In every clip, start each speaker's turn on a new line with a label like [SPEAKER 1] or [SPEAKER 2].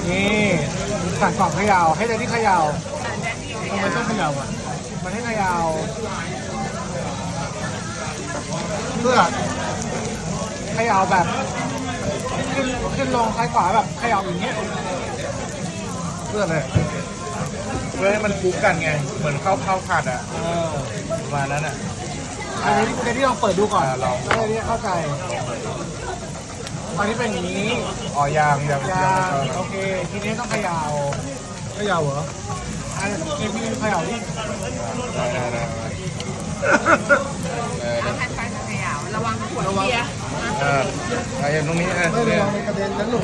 [SPEAKER 1] นี่สั่งกล่องเขย่าให้แดนนี่เขย่าทำไมต้องเขย่าอ่ะมันให้เขย่าเพื่อเขย่าแบบขึ้นลงซ้ายขวาแบบเขย่าอย่างเงี้ยเพื่ออะไร
[SPEAKER 2] เพื่อให้มันคลุกกันไงเหมือนข้าวผัดอ่ะประมาณนั้นอ่ะ
[SPEAKER 1] อันนี้เดนนี่ลองเปิดดูก่อน
[SPEAKER 2] ลอง
[SPEAKER 1] แล้วเดนนี่เข้าใจอันนี้เป็นอย่างนี้
[SPEAKER 2] อ๋อยาง
[SPEAKER 1] ยางโอเคทีนี้ต้องเขย่าเหรออันนี้พี่เขย่าดิ
[SPEAKER 2] ได้
[SPEAKER 3] เอาให้ไฟเขย่าระวังขวดเบียร์
[SPEAKER 2] ไปอย่างตรงนี้
[SPEAKER 1] ไม่ระวังในกระเด็นนะลูก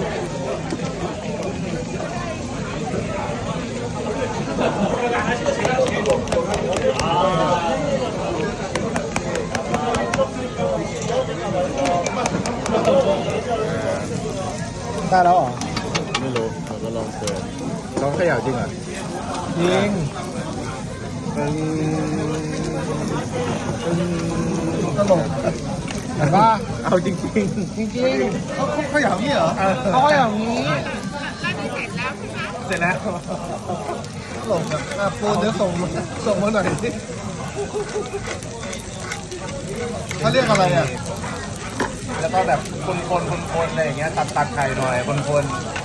[SPEAKER 1] ได้แล้วเหรอ
[SPEAKER 2] ไม่รู้เราก็ลองเปิดลองเขย่าจริงอ่ะ
[SPEAKER 1] จริงตลกเห็นป่ะ
[SPEAKER 2] เอาจริง
[SPEAKER 1] จริงๆเขาอย่างนี้เหรอเขาอย่างนี้
[SPEAKER 2] เสร็จแล้ว
[SPEAKER 1] ตลกอ่ะปูเดี๋ยวส่งมาหน่อยสิเขาเรียกอะไรอ่ะ
[SPEAKER 2] แล้วก็แบบคนอะไรอย่างเงี้ยตัดไข่หน่อยคน